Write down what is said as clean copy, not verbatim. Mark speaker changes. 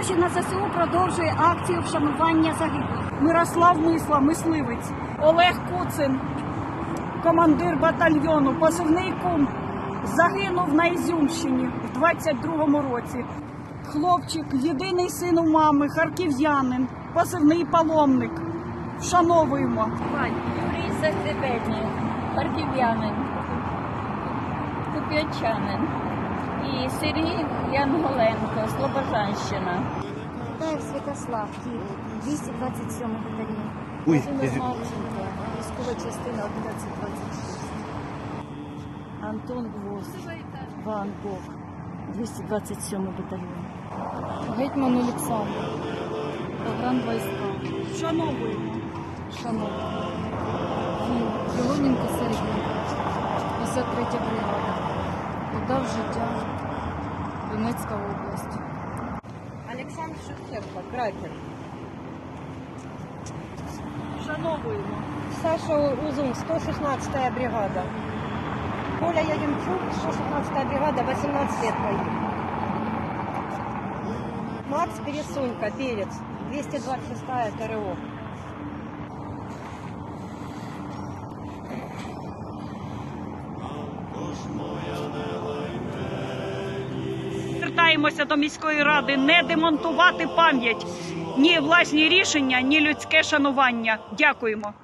Speaker 1: Гроші на ЗСУ продовжує акцію вшанування загиблих. Мирослав Мисла, мисливець. Олег Куцин, командир батальйону, позивний Кум, загинув на Ізюмщині в 22-му році. Хлопчик, єдиний син у мами, харків'янин, позивний Паломник. Вшановуємо.
Speaker 2: Юрій Загребельний, харків'янин, куп'янчанин. І Сергій Янголенко, Слобожанщина.
Speaker 3: Таєв Святослав, Київ, 227 батальйон.
Speaker 4: Ой,
Speaker 3: Марченко, військова частина 1126.
Speaker 1: Антон Гвоздь, Ван Гог, 227 батальйон.
Speaker 3: Гетьман Олександр, погранвійська.
Speaker 1: Вшановуємо.
Speaker 3: Шановні. Філоненко Сергій, 53 бригада. Віддав життя. Донецька область.
Speaker 2: Олександр Шевченко, Кракер.
Speaker 1: Вшановуємо.
Speaker 5: Саша Узун, 116-я бригада. Коля Ягемчук, 116-я бригада, 18 лет погиб. Макс Пересунько, Перец, 226-я ТРО.
Speaker 1: Звертаємося до міської ради не демонтувати пам'ять. Ні власні рішення, ні людське шанування. Дякуємо.